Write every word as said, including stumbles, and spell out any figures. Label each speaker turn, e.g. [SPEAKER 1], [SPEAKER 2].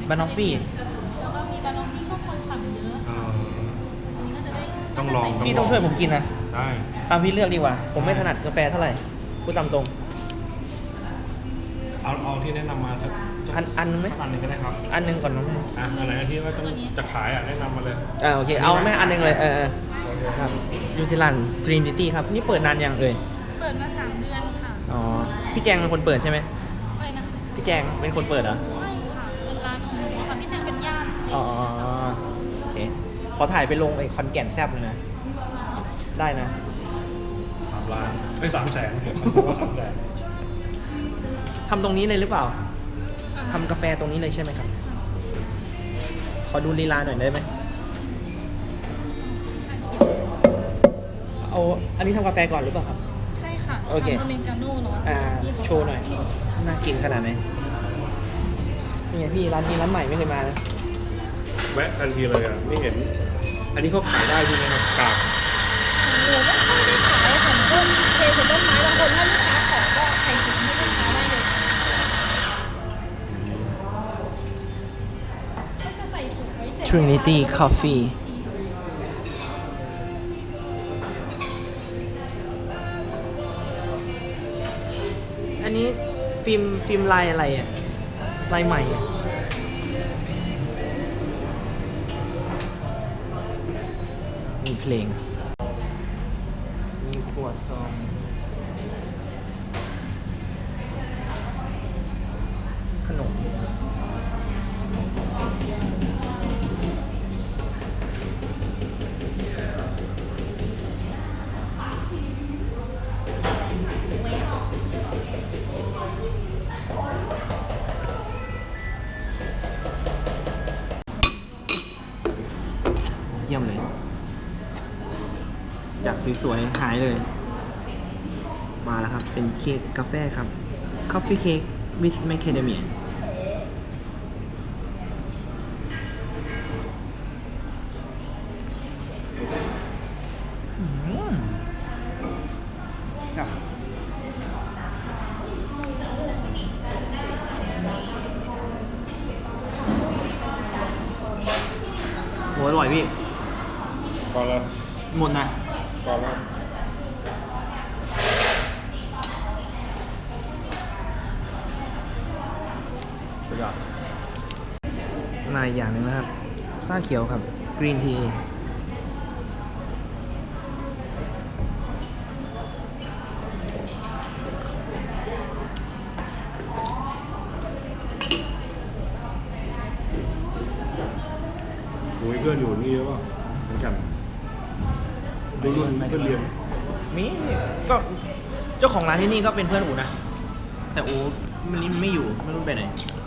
[SPEAKER 1] บานอฟฟี่
[SPEAKER 2] แล้วก็มีบานอฟฟี่ก็คนสั่งเยอะอันนี้ก็จะได้
[SPEAKER 3] ต้องลอง
[SPEAKER 1] พี่ต้องช่วยผมกินนะ
[SPEAKER 3] ได้
[SPEAKER 1] ตามพี่เลือกดีกว่า ผมไม่ถนัดกาแฟเท่าไหร่พูดตามตรง
[SPEAKER 3] เอาเอาที่แนะนำมาสักสัก
[SPEAKER 1] อันอันไหม
[SPEAKER 3] สักอันหนึ่งก็ได้ครับ
[SPEAKER 1] อันหนึงก่อนน้องแม่
[SPEAKER 3] อ่ะอันไหนที่ว่าต้องจะขายอ่ะแนะนำมาเลย
[SPEAKER 1] อ่าโอเคเอาแม่อันหนึงเลยเออเออ
[SPEAKER 3] โอเค
[SPEAKER 1] ครับยูทิลันทรินิตี้ครับนี่เปิดนานยังเอ่ย
[SPEAKER 2] เปิดมาสามเดือนค่ะ
[SPEAKER 1] อ๋อพี่แจงเป็นคนเปิดใช่ไหม
[SPEAKER 2] อะไรนะคะ
[SPEAKER 1] พี่แจงเป็นคนเปิดเหรอ
[SPEAKER 2] ไม่ค่ะเป็นร้านของหนูอะค่ะพี่แจงเป็นญาติเฉย
[SPEAKER 1] อ๋อโอเคขอถ่ายไปลงไอ้คอนแก่นแซบเลยนะได้นะ
[SPEAKER 3] สามล้านไม่สามแสนผมว่าสามแสน
[SPEAKER 1] ทำตรงนี้เลยหรือเปล่าทำกาแฟตรงนี้เลยใช่ไหมครับขอดูลีลาหน่อยได้ไหมเอาอันนี้ทำกาแฟก่อนหรือเปล่าครับ
[SPEAKER 2] ใช่ค่ะ
[SPEAKER 1] โอเค
[SPEAKER 2] ทำอเมริกาโน่เนาะ
[SPEAKER 1] อ่าโชว์หน่อยน่ากินขนาดไหนนี่ไงพี่ร้านนี้ร้านใหม่ไม่เคยมานะ
[SPEAKER 3] แวะทันทีเลยอ่ะไม่เห็น อันนี้เขาขายได้ใช่ไหมครับกาก
[SPEAKER 2] หนูไม่ค่อยได้ขายของต้นเชฟของต้นไม้บางคนถ้าลูกค้าขอก็ใส่ถุงให้ลูกค้าได้เลยก็จะใส่ถุงไว้เสร็จ
[SPEAKER 1] Trinity Coffee อันนี้ฟิล์มฟิล์มลายอะไรอ่ะลายใหม่อ่ะมีเพลงมีถั่วซองขนมเยี่ยมเลย จากสวยๆหายเลย มาแล้วครับ เป็นเค้กกาแฟครับ Coffee Cake with Macadamia อืมครับโหอร่อยพี่
[SPEAKER 3] พอแล้ว
[SPEAKER 1] หมดนะ
[SPEAKER 3] พอแล้ว
[SPEAKER 1] สุดยอดมาอีกอย่างหนึ่งนะครับชาเขียวครับกรีนที
[SPEAKER 3] โอ้ยเพื่อนอยู่นี่เยอะป่ะเหมือนกันรุ่นรุ่นเพื่อนเรียน
[SPEAKER 1] มีก็เจ้าของร้านที่นี่ก็เป็นเพื่อนอูนะ แต่อูมันไม่อยู่ไม่รู้ไปไหน